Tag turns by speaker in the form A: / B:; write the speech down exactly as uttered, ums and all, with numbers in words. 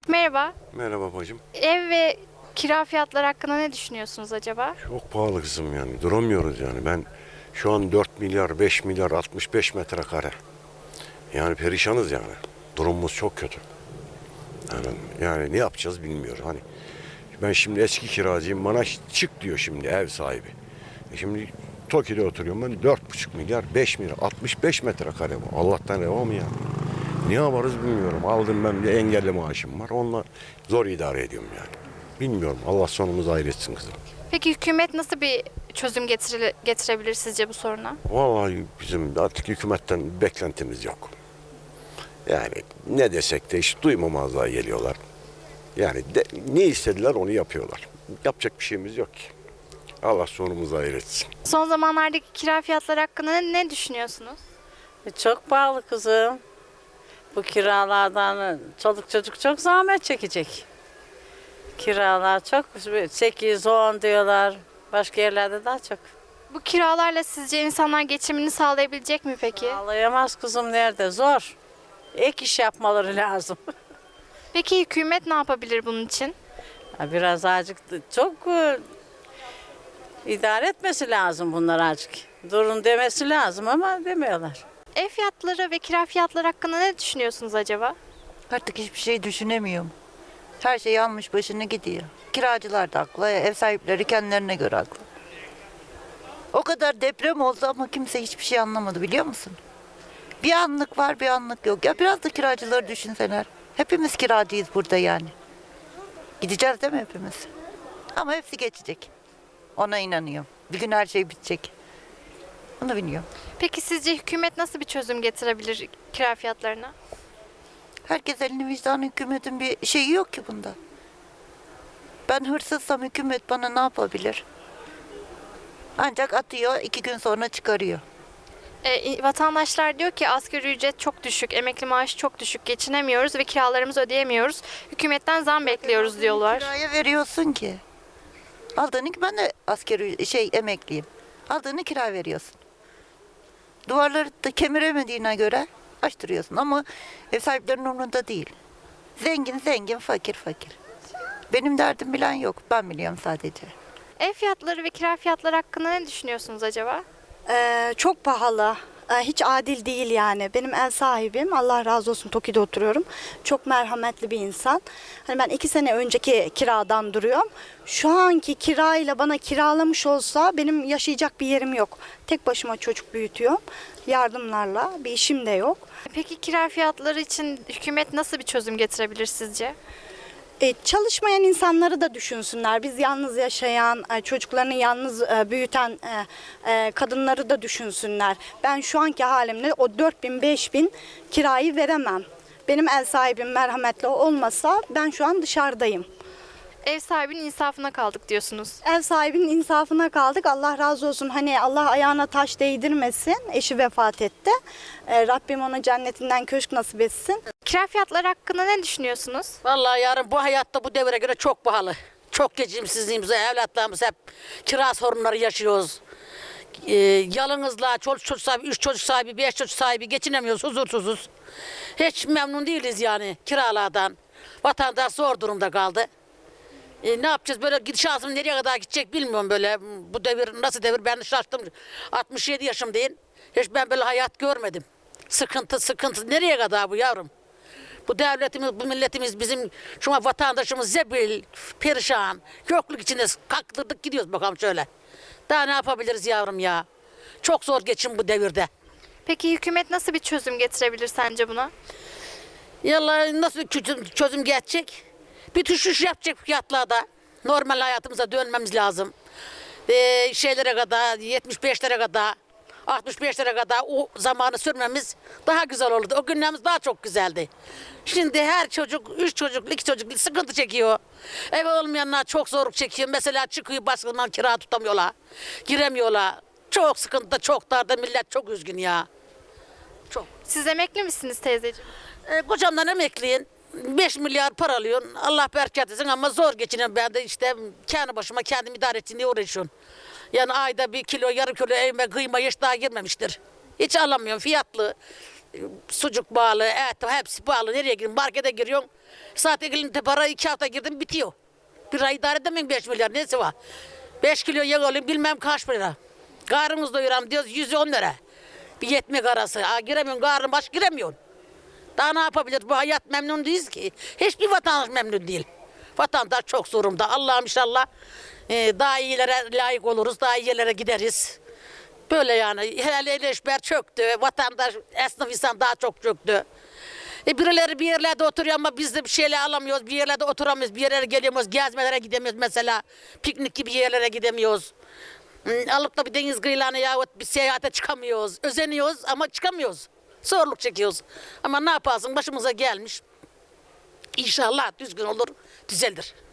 A: Merhaba.
B: Merhaba bacım.
A: Ev ve kira fiyatları hakkında ne düşünüyorsunuz acaba?
B: Çok pahalı kızım yani. Duramıyoruz yani. Ben şu an dört milyar, beş milyar, altmış beş metrekare. Yani perişanız yani. Durumumuz çok kötü. Yani, yani ne yapacağız bilmiyorum. Hani ben şimdi eski kiracıyım. Bana çık diyor şimdi ev sahibi. E şimdi Toki'de oturuyorum ben. Dört buçuk milyar, beş milyar, altmış beş metrekare bu. Allah'tan reva mı ya? Ne yaparız bilmiyorum. Aldım ben bir engelli maaşım var. Onunla zor idare ediyorum yani. Bilmiyorum. Allah sonumuzu hayretsin kızım.
A: Peki hükümet nasıl bir çözüm getire- getirebilir sizce bu soruna?
B: Vallahi bizim artık hükümetten beklentimiz yok. Yani ne desek de hiç duymamazlığa geliyorlar. Yani de, ne istediler onu yapıyorlar. Yapacak bir şeyimiz yok ki. Allah sonumuzu hayretsin.
A: Son zamanlardaki kira fiyatları hakkında ne, ne düşünüyorsunuz?
C: E, Çok pahalı kızım. Bu kiralardan çoluk çocuk çok zahmet çekecek. Kiralar çok sekiz on diyorlar. Başka yerlerde daha çok.
A: Bu kiralarla sizce insanlar geçimini sağlayabilecek mi peki?
C: Ağlayamaz kızım nerede? Zor. Ek iş yapmaları lazım.
A: Peki hükümet ne yapabilir bunun için?
C: Ha, Biraz azıcık çok e, idare etmesi lazım bunlar azıcık. Durun demesi lazım ama demiyorlar.
A: Ev fiyatları ve kira fiyatları hakkında ne düşünüyorsunuz acaba?
D: Artık hiçbir şey düşünemiyorum. Her şey almış başını gidiyor. Kiracılar da haklı, ev sahipleri kendilerine göre haklı. O kadar deprem oldu ama kimse hiçbir şey anlamadı biliyor musun? Bir anlık var bir anlık yok. Ya biraz da kiracıları düşünseler. Hepimiz kiracıyız burada yani. Gideceğiz değil mi hepimiz? Ama hepsi geçecek. Ona inanıyorum. Bir gün her şey bitecek. Onu biliyorum.
A: Peki sizce hükümet nasıl bir çözüm getirebilir kira fiyatlarına?
D: Herkes elini vicdanı hükümetin bir şeyi yok ki bunda. Ben hırsızsam hükümet bana ne yapabilir? Ancak atıyor, iki gün sonra çıkarıyor.
A: E, vatandaşlar diyor ki asgari ücret çok düşük, emekli maaşı çok düşük, geçinemiyoruz ve kiralarımızı ödeyemiyoruz. Hükümetten zam bekliyoruz diyorlar.
D: Kiraya veriyorsun ki. Aldığını ben de askeri şey emekliyim. Aldığını kira veriyorsun. Duvarları da kemiremediğine göre açtırıyorsun ama ev sahiplerinin umurunda değil. Zengin zengin, fakir fakir. Benim derdim bilen yok. Ben biliyorum sadece.
A: Ev fiyatları ve kira fiyatları hakkında ne düşünüyorsunuz acaba?
E: Ee, çok pahalı. Ee, hiç adil değil yani. Benim ev sahibim, Allah razı olsun, Toki'de oturuyorum. Çok merhametli bir insan. Hani ben iki sene önceki kiradan duruyorum. Şu anki kirayla bana kiralamış olsa benim yaşayacak bir yerim yok. Tek başıma çocuk büyütüyorum. Yardımlarla bir işim de yok.
A: Peki kira fiyatları için hükümet nasıl bir çözüm getirebilir sizce?
E: E, çalışmayan insanları da düşünsünler. Biz yalnız yaşayan, e, çocuklarını yalnız e, büyüten e, e, kadınları da düşünsünler. Ben şu anki halimle o dört bin beş bin kirayı veremem. Benim ev sahibim merhametli olmasa ben şu an dışarıdayım.
A: Ev sahibinin insafına kaldık diyorsunuz.
E: Ev sahibinin insafına kaldık. Allah razı olsun. Hani Allah ayağına taş değdirmesin. Eşi vefat etti. E, Rabbim ona cennetinden köşk nasip etsin.
A: Kira fiyatları hakkında ne düşünüyorsunuz?
F: Vallahi yarın bu hayatta bu devre göre çok pahalı. Çok geçimsizliğimiz, evlatlarımız hep kira sorunları yaşıyoruz. Ee, yalnızlığa, çocuk, çocuk sahibi, üç çocuk sahibi, beş çocuk sahibi geçinemiyoruz, huzursuzuz. Hiç memnun değiliz yani kiralardan. Vatandaş zor durumda kaldı. Ee, ne yapacağız böyle gidişatım nereye kadar gidecek bilmiyorum böyle. Bu devir nasıl devir ben şaştım. altmış yedi yaşımdayım. Hiç ben böyle hayat görmedim. Sıkıntı sıkıntı nereye kadar bu yavrum? Bu devletimiz, bu milletimiz bizim şu an vatandaşımız zebil, perişan, yokluk içinde kaktırdık gidiyoruz bakalım şöyle. Daha ne yapabiliriz yavrum ya? Çok zor geçim bu devirde.
A: Peki hükümet nasıl bir çözüm getirebilir sence buna?
F: Yallah nasıl bir çözüm, çözüm geçecek? Bir düşüş yapacak fiyatlarda. Normal hayatımıza dönmemiz lazım. Ee, şeylere kadar, yetmiş beşlere kadar, altmış beşlere kadar o zamanı sürmemiz daha güzel olurdu. O günlerimiz daha çok güzeldi. Şimdi her çocuk, üç çocuk, iki çocuk sıkıntı çekiyor. Ev olmayanlar çok zorluk çekiyor. Mesela çıkıyor başkalarından kira tutamıyorlar. Giremiyorlar. Çok sıkıntıda, çok darda millet çok üzgün ya. Çok.
A: Siz emekli misiniz teyzeciğim?
F: E, kocamdan emekliyim. beş milyar para alıyorsun. Allah bereket etsin ama zor geçiniyorum. Ben de işte kendi başıma kendim idare ettiğim diye uğraşıyorum. Yani ayda bir kilo, yarım kilo evime kıyma hiç daha girmemiştir. Hiç alamıyorum fiyatlı. Sucuk bağlı, et hepsi bağlı. Nereye giriyorsun? Markete giriyorsun. Zaten elinde para iki hafta girdim bitiyor. Bir ay idare edemem beş milyar nesi var? beş kilo yağ alayım bilmem kaç lira. Karnımız doyuram diyoruz yüz on lira. Bir yetmek arası. Aa, giremiyorsun karnın baş giremiyorsun. Daha ne yapabilir? Bu hayat memnun değiliz ki. Hiçbir vatandaş memnun değil. Vatandaş çok zorunda. Allah'ım inşallah e, daha iyilere layık oluruz. Daha iyi yerlere gideriz. Böyle yani. Helal eleşber çöktü. Vatandaş, esnaf insan daha çok çöktü. E birileri bir yerlerde oturuyor ama biz de bir şeyler alamıyoruz. Bir yerlerde oturamıyoruz. Bir yerlere geliyoruz. Gezmelere gidemiyoruz mesela. Piknik gibi yerlere gidemiyoruz. Hmm, alıp da bir deniz kıyılarına yahut bir seyahate çıkamıyoruz. Özeniyoruz ama çıkamıyoruz. Zorluk çekiyoruz. Ama ne yaparsın başımıza gelmiş. İnşallah düzgün olur, düzeldir.